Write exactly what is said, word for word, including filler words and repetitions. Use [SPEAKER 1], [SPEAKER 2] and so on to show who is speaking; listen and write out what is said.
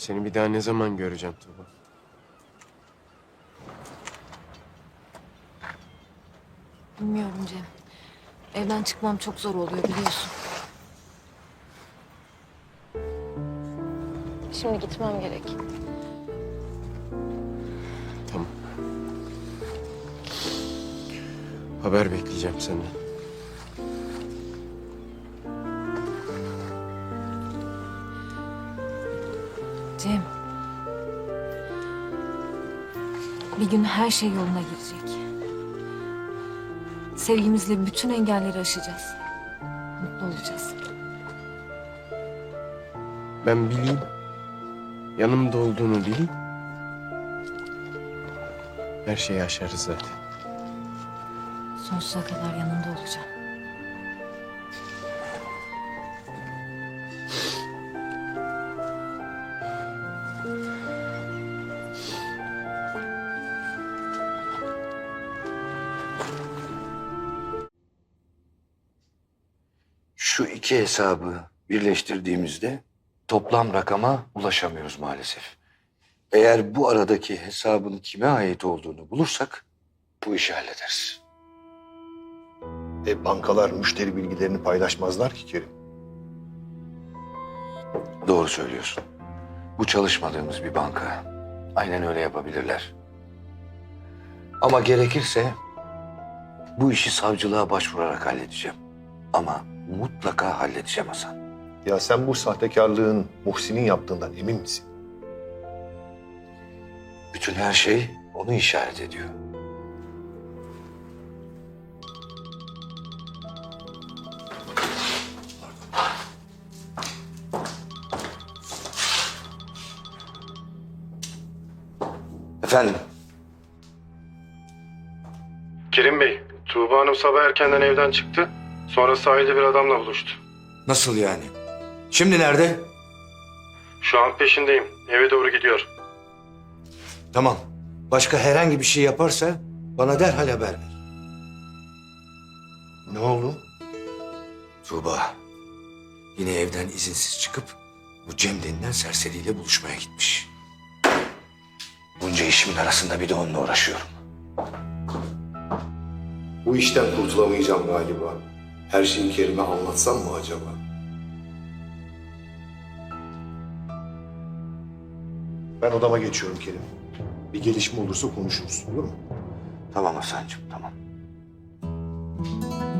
[SPEAKER 1] Seni bir daha ne zaman göreceğim Tuğba?
[SPEAKER 2] Bilmiyorum Cem. Evden çıkmam çok zor oluyor biliyorsun. Şimdi gitmem gerek.
[SPEAKER 1] Tamam. Haber bekleyeceğim senden.
[SPEAKER 2] Cem. Bir gün her şey yoluna girecek. Sevgimizle bütün engelleri aşacağız. Mutlu olacağız.
[SPEAKER 1] Ben bileyim. Yanımda olduğunu bileyim. Her şeyi aşarız zaten.
[SPEAKER 2] Sonsuza kadar yanında olacağım.
[SPEAKER 3] Şu iki hesabı birleştirdiğimizde toplam rakama ulaşamıyoruz maalesef. Eğer bu aradaki hesabın kime ait olduğunu bulursak bu işi hallederiz.
[SPEAKER 4] E, bankalar müşteri bilgilerini paylaşmazlar ki Kerim.
[SPEAKER 3] Doğru söylüyorsun. Bu çalışmadığımız bir banka. Aynen öyle yapabilirler. Ama gerekirse bu işi savcılığa başvurarak halledeceğim. Ama mutlaka halledeceğim Hasan.
[SPEAKER 4] Ya sen bu sahtekarlığın Muhsin'in yaptığından emin misin?
[SPEAKER 3] Bütün her şey onu işaret ediyor. Efendim?
[SPEAKER 5] Kerim Bey, Tuğba Hanım sabah erkenden evden çıktı. Sonra sahilde bir adamla buluştu.
[SPEAKER 3] Nasıl yani? Şimdi nerede?
[SPEAKER 5] Şu an peşindeyim. Eve doğru gidiyor.
[SPEAKER 3] Tamam. Başka herhangi bir şey yaparsa bana derhal haber ver.
[SPEAKER 4] Ne oldu?
[SPEAKER 3] Tuğba yine evden izinsiz çıkıp bu Cem denilen serseriyle buluşmaya gitmiş. Bunca işimin arasında bir de onunla uğraşıyorum.
[SPEAKER 4] Bu işten kurtulamayacağım galiba. Her şeyi Kerim'e anlatsam mı acaba? Ben odama geçiyorum Kerim. Bir gelişme olursa konuşuruz, olur mu?
[SPEAKER 3] Tamam Hasan'cığım, tamam.